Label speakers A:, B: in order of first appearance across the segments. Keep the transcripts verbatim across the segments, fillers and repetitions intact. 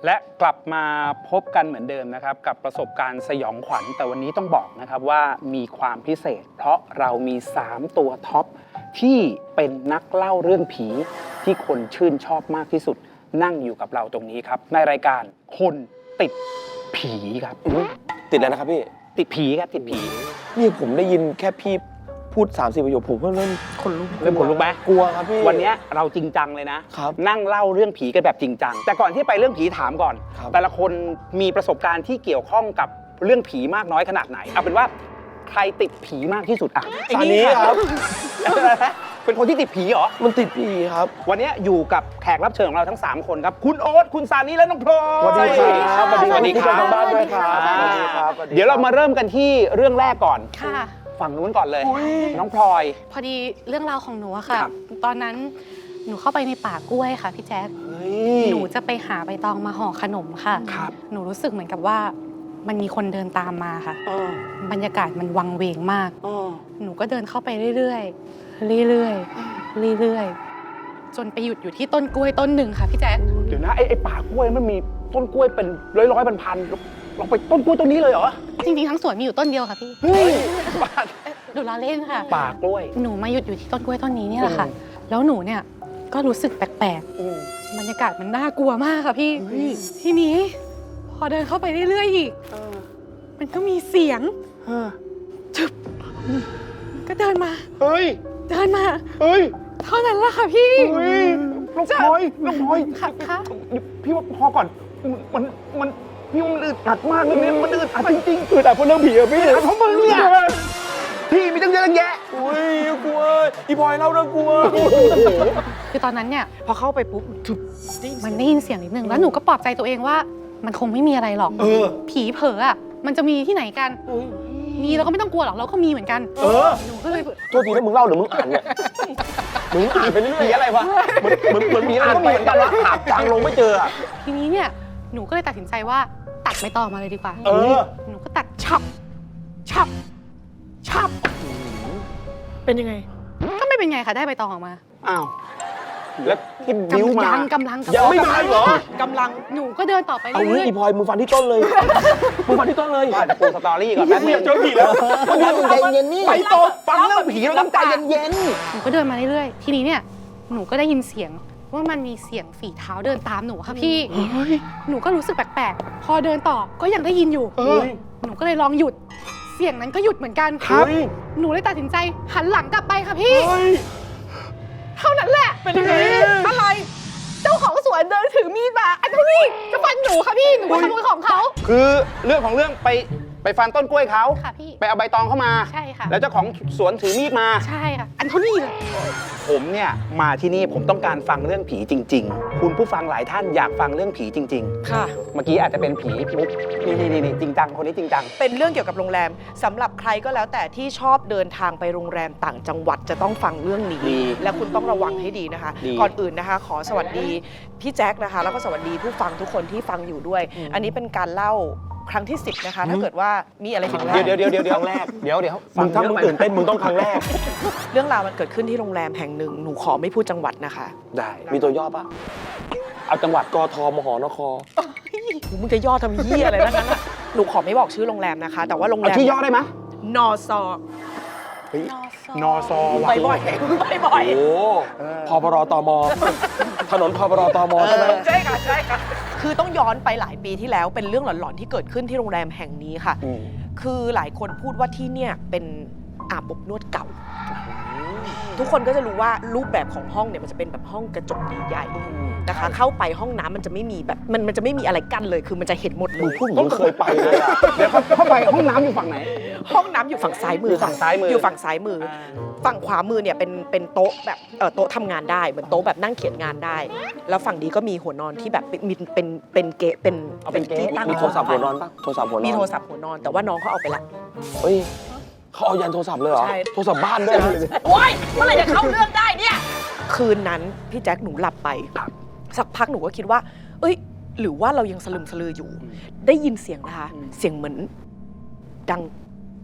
A: และกลับมาพบกันเหมือนเดิมนะครับกับประสบการณ์สยองขวัญแต่วันนี้ต้องบอกนะครับว่ามีความพิเศษเพราะเรามีสามตัวท็อปที่เป็นนักเล่าเรื่องผีที่คนชื่นชอบมากที่สุดนั่งอยู่กับเราตรงนี้ครับในรายการคนติดผีครับ
B: ติดแล้วนะครับพี่
A: ติดผีครับติดผี
B: นี่ผมได้ยินแค่พี่พูดสามสิบประโยคผมก็เริ่ม
A: คนลุกเริ่มขนลุกไหม
B: กลัวครับพี่
A: วันนี้เราจริงจังเลยนะครับนั่งเล่าเรื่องผีกันแบบจริงจังแต่ก่อนที่ไปเรื่องผีถามก่อนแต่ละคนมีประสบการณ์ที่เกี่ยวข้องกับเรื่องผีมากน้อยขนาดไหนเอาเป็นว่าใครติดผีมากที่สุดอ่ะ
B: อันนี้ครับ
A: เป็นคนที่ติดผีเหรอ
B: มันติดผีครับ
A: วันนี้อยู่กับแขกรับเชิญของเราทั้งสามคนครับคุณโอ๊ตคุณซานีและน้องพลอย
B: สวัสดีครับสวัสดีครับทางบ้านด้วยครับ
A: เดี๋ยวเรามาเริ่มกันที่เรื่องแรกก่อน
C: ค่ะ
A: ฝั่งนู้นก่อนเลยน้องพลอย
C: พอดีเรื่องราวของหนูอะค่ะตอนนั้นหนูเข้าไปในป่ากล้วยค่ะพี่แจ๊คหนูจะไปหาใบตองมาห่อขนมค่ะหนูรู้สึกเหมือนกับว่ามันมีคนเดินตามมาค่ะบรรยากาศมันวังเวงมากหนูก็เดินเข้าไปเรื่อยๆเรื่อยๆเรื่อยๆจนไปหยุดอยู่ที่ต้นกล้วยต้นหนึ่งค่ะพี่แจ๊ค
A: เดี๋ยวนะไอ้ไอ้ป่ากล้วยมันมีต้นกล้วยเป็นร้อยร้อยพันพันลองไปต้นกล้วยต้นนี้เลยเหรอ
C: จริงๆทั้งสวนมีอยู่ต้นเดียวค่ะพี่
A: เฮ้ย
C: ดูล้อเล่นค่ะ
A: ป่ากล้วย
C: หนูมาหยุดอยู่ที่ต้นกล้วยต้นนี้นี่แหละค่ะแล้วหนูเนี่ยก็รู้สึกแปลกๆบรรยากาศมันน่ากลัวมากค่ะพี่ทีนี้พอเดินเข้าไปเรื่อยๆอีกมันก็มีเสียงจึบก็เดินมา
A: เฮ้ย
C: เดินมา
A: เฮ้ย
C: เท่านั้นแหละค่ะพี่
A: เฮ้ยน้องพลอยน้องพลอย
C: ค่ะค่ะ
A: พี่ว่าพอก่อนมันมันพี่ว่ามันอึดอัดมากเลยเนี่ยมันอึดอัดจริงๆอึดอัดเพราะเรื่องผีอะพี่เพราะมึงเนี่ยพี่มีตั้งเยอะตั้งแยะ
B: อุ้ยกลัวอีพลอยเล่าเรื่องกลัว
C: คือตอนนั้นเนี่ยพอเข้าไปปุ๊บมันได้ยินเสียงนิดนึงแล้วหนูก็ปลอบใจตัวเองว่ามันคงไม่มีอะไรหรอกผีเผลออะมันจะมีที่ไหนกันมีเราก็ไม่ต้องกลัวหรอกเราก็มีเหมือนกัน
B: เออ
C: หนูก็เลย
B: โทษทีนะมึงเล่าหรือมึงอ่านเนี่ยมึงอ่านไปเรื่อย
A: ๆอะไรวะ
B: เหมือนเหมือนเหมือนมีอ่านไปเหมือนกันว่าหาจางลงไม่เจอ
C: ทีนี้เนี่ยหนูก็เลยตัดสินใจว่าตัดใบตองมาเลยดีกว่า
A: เออ
C: หนูก็ตัดฉับฉับฉับ
B: เป็นยังไง
C: ก็ไม่เป็นไงค่ะได้ใบตองออกมา
A: อ้าวแล้วที่บิ้วมาก
C: ำลัง
B: ยังไม่มาเหร
C: อกำลังหนูก็เดินต่อไปเรื่อยๆ
B: เอางี้อีพลอยมึงฟันที่ต้นเลยมึงฟันที่ต้นเลย
A: อาจจะปูสตอรี่ก่อนแป๊บนึง
B: เจอผีแล้วมึง
A: ใจเย็นนี่ไปโตฟังเรื่องผีเราต้องใจเย็น
C: ๆหนูก็เดินมาเรื่อยๆทีนี้เนี่ยหนูก็ได้ยินเสียงว่ามันมีเสียงฝีเท้าเดินตามหนูค่ะพี่หนูก็รู้สึกแปลกๆพอเดินต่อก็ยังได้ยินอยู่หนูก็เลยลองหยุดเสียงนั้นก็หยุดเหมือนกัน
A: ครับ
C: หนูเลยตัดสินใจหันหลังกลับไปค่ะพี่เท่านั้นแหละ
A: เป็นยังไง
C: อะไรเจ้าของสวนเดินถือมีดมาอันนี้จะฟันหนูค่ะพี่หนูไปขโมยของเขา
A: คือเรื่องของเรื่องไปไปฟันต้นกล้วยเขา
C: ค่ะพี่
A: ไปเอาใบตองเข้ามา
C: ใช่ค่ะ
A: แล้วเจ้าของสวนถือมีดมา
C: ใช่ค่ะอันเท่านี้เลย
A: ผมเนี่ยมาที่นี่ผมต้องการฟังเรื่องผีจริงๆคุณผู้ฟังหลายท่านอยากฟังเรื่องผีจริง
D: ๆค่ะ
A: เมื่อกี้อาจจะเป็นผีมุกนี่นี่นี่จริงจังคนนี้จริงจัง
D: เป็นเรื่องเกี่ยวกับโรงแรมสำหรับใครก็แล้วแต่ที่ชอบเดินทางไปโรงแรมต่างจังหวัดจะต้องฟังเรื่องนี้และคุณต้องระวังให้ดีนะคะก่อนอื่นนะคะขอสวัสดีพี่แจ็คนะคะแล้วก็สวัสดีผู้ฟังทุกคนที่ฟังอยู่ด้วยอันนี้เป็นการเล่าครั้งที่สิบนะคะถ้าเกิดว่ามีอะไรผิดพลาด
A: เดี๋ยวเดี๋ยวเดี๋ยวเดี๋ยวครั้งแรกเดี๋ยวเดี๋ยว
B: มึงถ้ามึงตื่นเต้นมึงต้องครั้งแรก
D: เรื่องราวมันเกิดขึ้นที่โรงแรมแห่งหนึ่งหนูขอไม่พูดจังหวัดนะคะ
A: ได้
B: มีตัวย่อปะ
A: เอาจังหวัด
B: กทมหนค
D: มึงจะย่อทำเหี้ยอะไรนั่นน่ะหนูขอไม่บอกชื่อโรงแรมนะคะแต่ว่าโรงแรม
A: ที่ย่อได้ไหม
D: นอซอ
A: นอซอ
D: ไปบ่อยไปบ่อย
B: โอ้พปรตมถนนพปรตมใช่ไหม
D: ใช่ค่ะใช่ค่ะคือต้องย้อนไปหลายปีที่แล้วเป็นเรื่องหลอนๆที่เกิดขึ้นที่โรงแรมแห่งนี้ค่ะคือหลายคนพูดว่าที่เนี่ยเป็นอาบอบนวดเก่าทุกคนก็จะรู้ว่ารูปแบบของห้องเนี่ยมันจะเป็นแบบห้องกระจกใหญ่ๆนะคะเข้าไปห้องน้ำมันจะไม่มีแบบมันมันจะไม่มีอะไรกั้นเลยคือมันจะเห็นหมดเลย
B: พูดเหมือนเคยไปเลยอ่ะ
A: เดี๋ยวเข้าไปห้องน้ำอยู่ฝั่งไหน
D: ห้องน้ำอยู่ฝั่งซ้ายมือ
A: ฝั่งซ้ายมือ
D: อยู่ฝั่งซ้ายมือฝั่งขวามือเนี่ยเป็นเป็นโต๊ะแบบเออโต๊ะทำงานได้เหมือนโต๊ะแบบนั่งเขียนงานได้แล้วฝั่งนี้ก็มีหัวนอนที่แบบมีเป็นเป็นเกะเป็น
A: เป็นที่ตั้ง
B: มีโทรศัพท์หัวนอนปะโทรศัพท์หัวนอน
D: มีโทรศัพท์หัวนอนแต่ว่าน้องเขาเอาไปละ
B: เฮ้ยเขาเอายันโทรศัพท์เลยเหรอโทรศัพท์บ้านด้วย
D: โอ๊ยเมื่อไหร่จะเข้าเรื่องได้เนี่ยคืนนั้นพี่แจ็คหนูหลับไปสักพักหนูก็คิดว่าเอ้ยหรือว่าเรายังสลึมสลืออยู่ได้ยินเสียงนะคะเสียงเหมือนดัง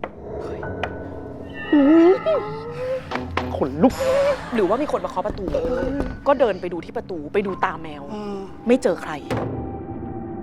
A: ขนลุก
D: หรือว่ามีคนมาเคาะประตูก็เดินไปดูที่ประตูไปดูตาแมวไม่เจอใคร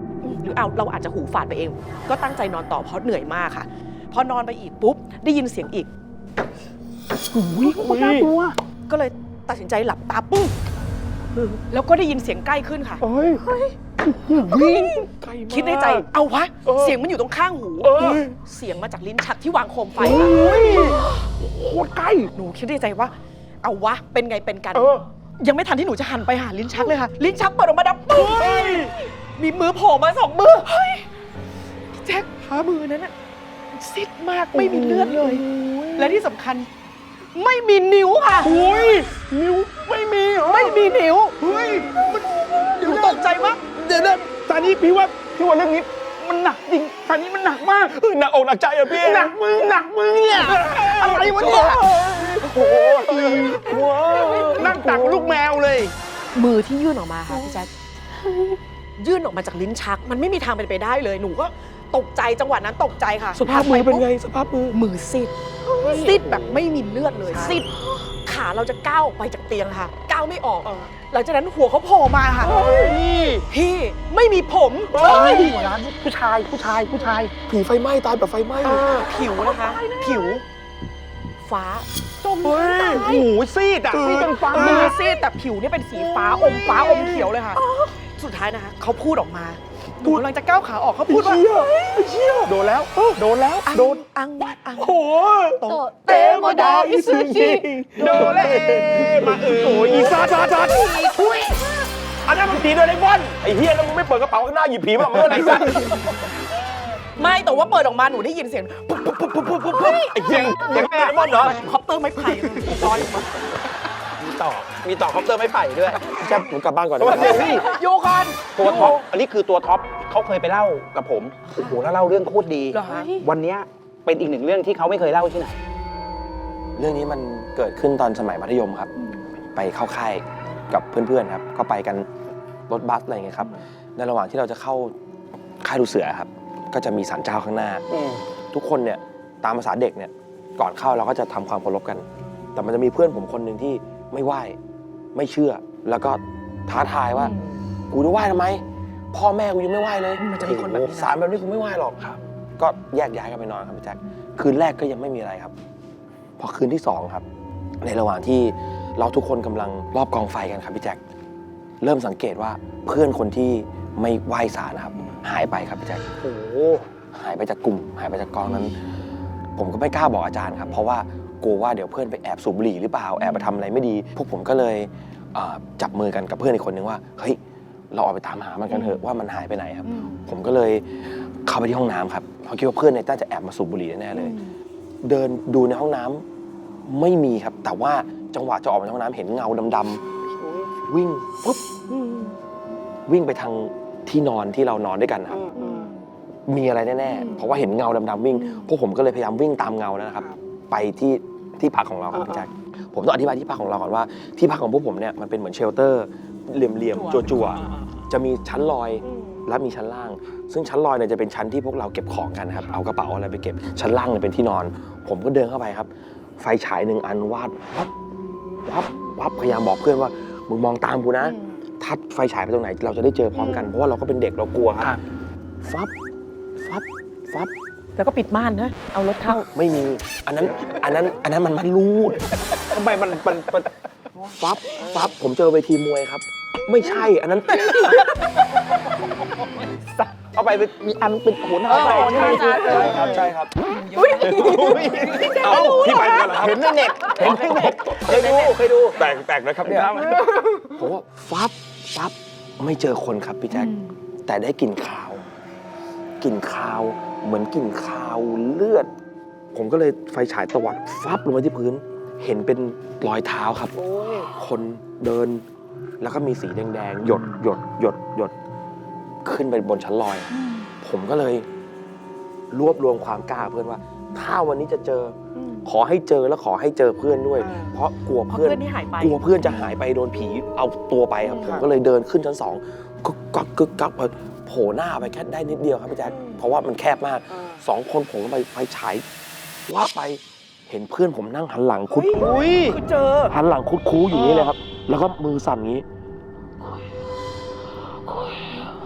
D: หรือเอาเราอาจจะหูฝาดไปเอง ก็ตั้งใจนอนต่อเพราะเหนื่อยมากค่ะพอนอนไปอีกปุ๊บได้ยินเสียงอีก
A: อุ้ยคนน่ากลัว
D: ก็เลยตัดสินใจหลับตาปุ้งแล้วก็ได้ยินเสียงใกล้ขึ้นค่ะ
A: เฮ้ย
B: วิ่ง
D: คิดในใจเอาวะ
B: เออ
D: เสียงมันอยู่ตรงข้างหู
B: เออ
D: เสียงมาจากลิ้นชักที่วางโคมไฟ
A: โอ้
D: ค่ะ
A: ยโคตรใกล้
D: หนูคิดในใจว่า เอาวะเป็นไงเป็นกัน
B: เออ
D: ยังไม่ทันที่หนูจะหันไปหาลิ้นชักเลยค่ะ ลิ้นชักเปิดออกมาดับปึ้งมีมือโผล่มาสองมือเฮ้ยพี่แจ็คหามือนั้นน่ะซิดมากไม่มีเลือดเลย และที่สำคัญ ไม่มีนิ้วค่ะ
A: อุ้ยนิ้วไม่มีเหรอ
D: ไม่มีนิ้ว
A: เฮ้ยมัน
D: หนูตกใจมาก
A: เดี๋ยวนะตอนนี้พี่ว่าพี่ว่าเรื่องนี้มันหนักจริงตอนนี้มันหนักมาก
B: เฮ้ยหนักอกหนักใจอะพี่
A: หนักมือหนักมือเนี่ยอะไรวะเนี่ย
B: โอ้โหว้าว
A: นั่งตักลูกแมวเลย
D: มือที่ยื่นออกมาค่ะพี่แจ๊คยื่นออกมาจากลิ้นชัก มันไม่มีทางเป็นไปได้เลย หนูก็ตกใจจังหวะนั้นตกใจค่ะ
B: สภาพมือเป็นไงสภาพมือ
D: มือซีดซีดแบบไม่มีเลือดเลยซีดขาเราจะก้าวออกไปจากเตียงค่ะ ก้าวไม่ออกหลังจากนั้นหัวเขาโผล่มาค่ะพี่ไม่มีผม
A: เฮ้ยหัวร้านผู้ชายผู้ชายผู้ชาย
B: ผีไฟไหม้ตายแบบไฟไหม้
D: ผิวนะคะ ผิว ฟ้า
A: เฮ้ยหูซีดอ่ะซีดจนฟัง
D: มือซีดแต่ผิวเนี่ยเป็นสีฟ้าอมฟ้าอมเขียวเลยค่ะ สุดท้ายนะคะเขาพูดออกมาหนูกำลังจะก้าวขาออกเขาพูดว่า
A: โดนแล้วโดนแล้ว
D: อัง
A: โดน
D: อังอัง
A: โอ้โห
D: โตเตโมดาอิซุจิ
A: โดนเลยมาเออโอ้ยอีซาซาซา
B: อันนั้นมันผีโดเรมอนไอ้เฮียแล้วมึงไม่เปิดกระเป๋าข้างหน้าหยิบผีมาเมื่อไหร่สัตว์
D: ไม่แต่ว่าเปิดออกมาหนูได้ยินเสียงปุ๊บปุ๊บปุ๊บปุ๊บปุ๊บปุ๊บปุ๊บ
B: ไอ้เฮียเสียงโดเรมอนเหรอ
D: คอปเตอร์ไม้ไผ่ลอยออกมา
B: มีต่อมีต่อคอปเตอร์ไม่ไผ่ด้วยแจ๊บผมกลับบ้านก่อนนะ
D: โยคอน
A: ตัวท็อปอันนี้คือตัวท็อปเขาเคยไปเล่ากับผมโอ้โหแล้วเล่าเรื่องโคตรดี
D: เหรอคะ
A: วันเนี้ยเป็นอีกหนึ่งเรื่องที่เขาไม่เคยเล่าที่ไหน
E: เรื่องนี้มันเกิดขึ้นตอนสมัยมัธยมครับ ไปเข้าค่ายกับเพื่อนๆครับ ก็ไปกันรถบัสอะไรอย่างเงี้ยครับ ในระหว่างที่เราจะเข้าค่ายดูเสือครับ ก็จะมีศาลเจ้าข้างหน้า ทุกคนเนี่ยตามภาษาเด็กเนี่ยก่อนเข้าเราก็จะทำความเคารพกัน แต่มันจะมีเพื่อนผมคนหนึ่งที่ไม่ไหว้ไม่เชื่อ แล้วก็ท้าทายว่า กูจะไหว้ทำไม พ่อแม่กูยังไม่ไหว้เลย
D: มันจะมีคนแบบนี้นะ
E: โอ้โหสารแบบนี้กูไม่ไหว้หรอกครับ ก็แยกย้ายกันไปนอนครับพี่แจ๊คคืนแรกก็ยังไม่มีอะไรครับ พอคืนที่สองครับ ในระหว่างที่เราทุกคนกำลังรอบกองไฟกันครับพี่แจ๊คเริ่มสังเกตว่าเพื่อนคนที่ไม่ไหว้ศาลนะครับ หายไปครับพี่แจ๊ค
A: โอ้โห
E: หายไปจากกลุ่ม หายไปจากกองนั้น ผมก็ไม่กล้าบอกอาจารย์ครับ เพราะว่ากลัวว่าเดี๋ยวเพื่อนไปแอบสูบบุหรี่หรือเปล่าแอบไปทำอะไรไม่ดี พวกผมก็เลยเอ่อจับมือกันกับเพื่อนอีกคนนึงว่าเฮ้ยเราออกไปตามหามันกันเถอะว่ามันหายไปไหนครับ ผมก็เลยเข้าไปที่ห้องน้ำครับเพราะคิดว่าเพื่อนเนี่ยน่าจะแอบมาสูบบุหรี่แน่ๆเลย เดินดูในห้องน้ำไม่มีครับ แต่ว่าจังหวะจะออกมาจากห้องน้ำเห็นเงาดำๆวิ่งปุ๊บวิ่งไปทางที่นอนที่เรานอนด้วยกันครับ มีอะไรแน่ๆเพราะว่าเห็นเงาดำๆวิ่งพวกผมก็เลยพยายามวิ่งตามเงานั้นนะครับ ไปที่ที่พักของเราครับพี่แจ๊คผมต้องอธิบายที่พักของเราก่อนว่าที่พักของพวกผมเนี่ยมันเป็นเหมือนเชลเตอร์เหลี่ยมๆจั่วๆจะมีชั้นลอยและมีชั้นล่าง ซึ่งชั้นลอยเนี่ยจะเป็นชั้นที่พวกเราเก็บของกันครับเอากระเป๋าอะไรไปเก็บชั้นล่างเนี่ยเป็นที่นอน ผมก็เดินเข้าไปครับ ไฟฉายหนึ่งอันวาดวับวับวับพยายามบอกเพื่อนว่ามึงมองตามกูนะถ้าไฟฉายไปตรงไหนเราจะได้เจอพร้อมกันเพราะว่าเราก็เป็นเด็กเรากลัวครับฟับฟับฟับ
D: แล้วก็ปิดม่านนะเอารถเข้า
E: ไม่มี อันนั้น อันนั้น อันนั้นมันมันรูด
A: ทำไมมันมันมัน
E: ฟับ ฟับ ผมเจอเวทีมวยครับ ไม่ใช่ อันนั้น
A: เอาไปเป็นมีอันเป็นโหน
D: เออ
A: อะไร
D: ใช่ใช่ใช่
E: ครับ ใช่ครับ
B: เอ้าพี่ไปกันเหรอครับ
A: เห็นในเน็ตเห็นในเน็ตเคยดูเคยดู
B: แปลกแปลกนะครับเนี่ย
E: ผมว่าฟับ ฟับ ไม่เจอคนครับพี่แจ็ค แต่ได้กลิ่นคาว กลิ่นคาว เหมือนกลิ่นคาวเลือด ผมก็เลยไฟฉายตวัดฟับลงไปที่พื้น เห็นเป็นรอยเท้าครับ คนเดิน แล้วก็มีสีแดงๆ หยดหยดหยดหยด ขึ้นไปบนชั้นลอย ผมก็เลยรวบรวมความกล้าเพื่อนว่า ถ้าวันนี้จะเจออขอให้เจอแล้วขอให้เจอเพื่อนด้วย เพราะกลัว
D: เพราะ
E: เพื่อน
D: เพื่อนที่หายไป
E: กลัวเพื่อนจะหายไปโดนผีเอาตัวไปครับ ผมก็เลยเดินขึ้นชั้นสองกึกกักกึกกักพอโผล่หน้าไปแค่ได้นิดเดียวครับพี่แจ๊คเพราะว่ามันแคบมากสองคนผมก็ไปไฟฉายว่าไปเห็นเพื่อนผมนั่งหันหลังคุด
A: อุ้ย
D: คือเจอ
E: หันหลังคุดคูอยู่นี่เลยครับ แล้วก็มือสั่นงี้
A: พ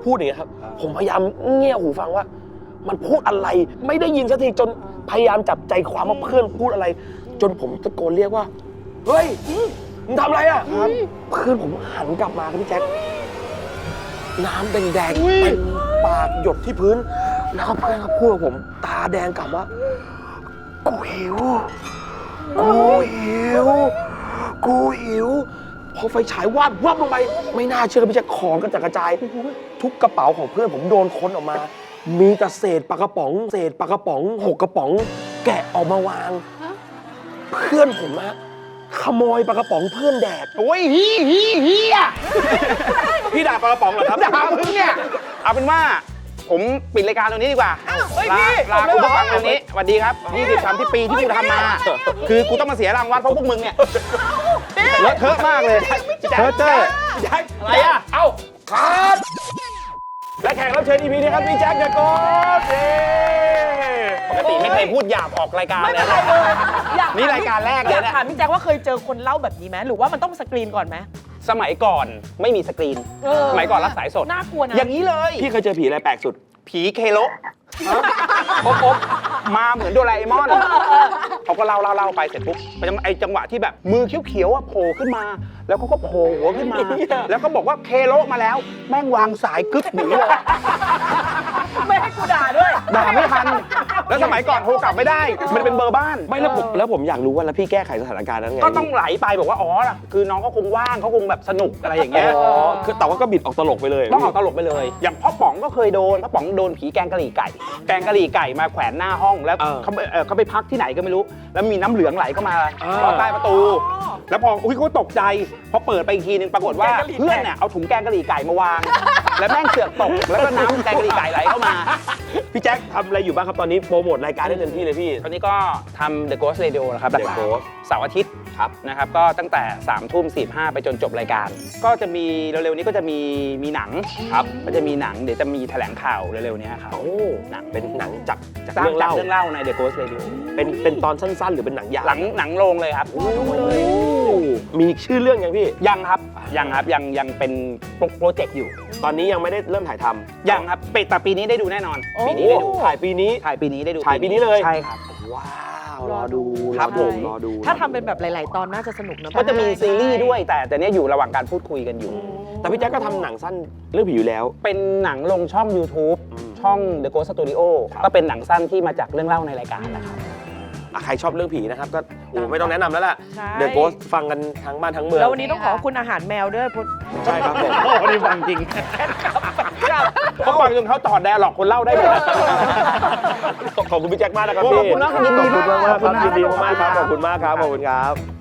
E: พูดอย่างเงี้ยครับผมพยายามเงี่ยหูฟังว่า มันพูดอะไรไม่ได้ยินสักทีจนพยายามจับใจความว่าเพื่อนพูดอะไร จนผมตะโกนเรียกว่าเฮ้ยมึงทำอะไรอ่ะเพื่อนผมหันกลับมาครับพี่แจ๊คน้ำแดงๆเต็มปากหยดที่พื้น แล้วก็เพื่อนก็พูดกับผมตาแดงกลับว่ากูหิวกูหิวกูหิวพอไฟฉายวาบวับลงไปไม่น่าเชื่อพี่แจ๊คของกระจัดกระจายทุกกระเป๋าของเพื่อนผมโดนค้นออกมา มีแต่เศษปลากระป๋องเศษปลากระป๋องหกกระป๋องแกะออกมาวาง เพื่อนผมอะขโมยปลากระป๋องเพื่อนแดก
A: โอ้ยฮีฮีฮีอ่ะ
B: พี่ด่าปลากระป๋องเหรอครับ
A: ด่ามึงเนี่ย เอาเป็นว่าผมปิดรายการตรงนี้ดีกว่า
B: เฮ้ย
A: ลา
B: พี่
A: ลา
B: ผมเลย
A: คุณผู้ฟัง
B: เหรอ
A: ตรงนี้สวัสดีครับยี่สิบสามที่ปีที่กูทำมา คือกูต้องมาเสียรางวัลเพราะพวกมึงเนี่ยเลอะเทอะมากเลยเทอะเจ้อ
B: แจ็ค
A: อะไรอ่ะ
B: เอ้าครับและแขกรับเชิญ อี พี นี้ครับพี่แจ็คเดอะโกสเย้
A: ปกติไม่เคยพูดหยาบออกรายการ
D: ไม่
A: เล
D: เป็
A: ย
D: นไร
A: นะ
D: เลยอยาก
A: นี่รายการแรกเลย
D: อยาก
A: นะ
D: ถามพี่แจ็คว่าเคยเจอคนเล่าแบบนี้ไหมหรือว่ามันต้องสกรีนก่อนไหม
A: สมัยก่อนไม่มีสกรีน
D: เออ
A: สมัยก่อนรับสายสด
D: น่ากลัวนะ
A: อย่างนี้เลย
E: พี่เคยเจอผีอะไรแปลกสุด
A: ผีเคโลป๊บป๊บมาเหมือนโดราเอมอนเขาก็เล่าเล่าเล่าไปเสร็จปุ๊บไปจังไอจังหวะที่แบบมือเขียวๆอ่ะโผล่ขึ้นมา แล้วเขาก็โผล่หัวขึ้นมา แล้วก็บอกว่าเคโลมาแล้ว แม่งวางสายกึ๊บหนีเลย
D: ไม่ให้กูด่าด้วย
A: ด่าไม่ทัน แล้วสมัยก่อนโทรกลับไม่ได้ มันเป็นเบอร์บ้าน
E: ไม่แล้วผมแล้วผมอยากรู้ว่าแล้วพี่แก้ไขสถานการณ์นั้นไง
A: ก็ต้องไหลไปบอกว่าอ๋อคือน้องก็คงว่างเขาคงแบบสนุกอะไรอย่าง
E: อ๋
A: เงี้ย
E: อคือแต่ว่าก็บิดออกตลกไปเลย
A: ต้องออกตลกไปเลย อย่างพ่อป๋องก็เคยโดนพ่อป๋องโดนผีแกงกะหรี่ไก่ แกงกะหรี่ไก่มาแขวนหน้าห้อง แล้วเขาไปเอ่อเขาไปพักที่ไหนก็ไม่รู้ แล้วมีน้ำเหลืองไหลเข้ามาลอดใต้ประตู แล้วพออุ้ยเขาตกใจ พอเปิดไปอีกทีนึงปรากฏว่าเพื่อนเนี่ยเอาถุงแกงกะหรี่ไก่มาวาง แล้วแม่งเสือกตก แล้วก็น้ำแกงกะหรี่ไก่ไหลเข้ามา
E: พี่แจ็คทำอะไรอยู่บ้างครับตอนนี้โปรโมทรายการได้เต็มที่เลยพี่
A: ตอนนี้ก็ทำ The Ghost Radio นะครับ
E: The Ghost
A: เสาร์อาทิตย์ครับนะครับก็ตั้งแต่3ามทุ่มสี่ห้าไปจนจบรายการ ก็จะมีเร็วๆนี้ก็จะมีมีหนังครับก็จะมีหนังเดี๋ยวจะมีแถลงข่าวเร็วๆนี้ครับ
E: โอ้
A: หนัง
E: เป็นหนังจากจาก
A: สร้าง
E: เรื่อง
A: จาก
E: เล่า
A: เรื่องเล่าใน The Ghost Radio
E: เป็นเป็นตอนสั้นๆ หรือเป็นหนังยาว
A: หลังหนังโรงเลยครับ
E: มีชื่อเรื่องยังพี่
A: ยังครับยังครับยังยังเป็นโปรเจกต์อยู่
E: ตอนนี้ยังไม่ได้เริ่มถ่ายทำ
A: ยังครับปิดแต่ปีนี้ได้ดูแน่นอน
D: โอ้
A: ปีนี้ได้ดู
E: ถ่ายปีนี้
A: ถ่ายปีนี้ได้ดู
E: ถ่ายปีนี้เลย
A: ใช่ครับ
E: ว้าว รอดู
A: ครับผม
E: รอดู
D: ถ้าทำเป็นแบบหลาย ๆ ตอนน่าจะสนุกนะ
A: ก็จะมีซีรีส์ด้วยแต่แต่เนี้ยอยู่ระหว่างการพูดคุยกันอยู่
E: แต่พี่แจ๊คก็ทำหนังสั้นเรื่องผีอยู่แล้ว
A: เป็นหนังลงช่อง YouTube
E: อืม
A: ช่อง The Ghost Studio
E: ครับ
A: ก็เป็นหนังสั้นที่มาจากเรื่องเล่าในรายการนะครับ
E: อ่ะใครชอบเรื่องผีนะครับก็โอ้ไม่ต้องแนะนำแล้วล่ะ
D: ใช่
E: เดอะโกสฟังกันทั้งบ้านทั้งเมือง
D: แล้ววันนี้ต้องขอบคุณอาหารแมวด้วยพุทธ
E: ใช่ครับผม
A: โอ้โหนี่ฟังจริงเขาฟังจนเขาต่อแดร์หลอกคนเล่าได้หมด
E: ขอบคุณพี่แจ็คมากนะครับ
A: โอ้
E: พี่
A: ขอบคุณนะยินดีมาก
E: ขอบคุณมากๆครับ
A: ขอบคุณมาก
E: ยินดีมากๆครับขอบคุณมากครับขอบคุณครับ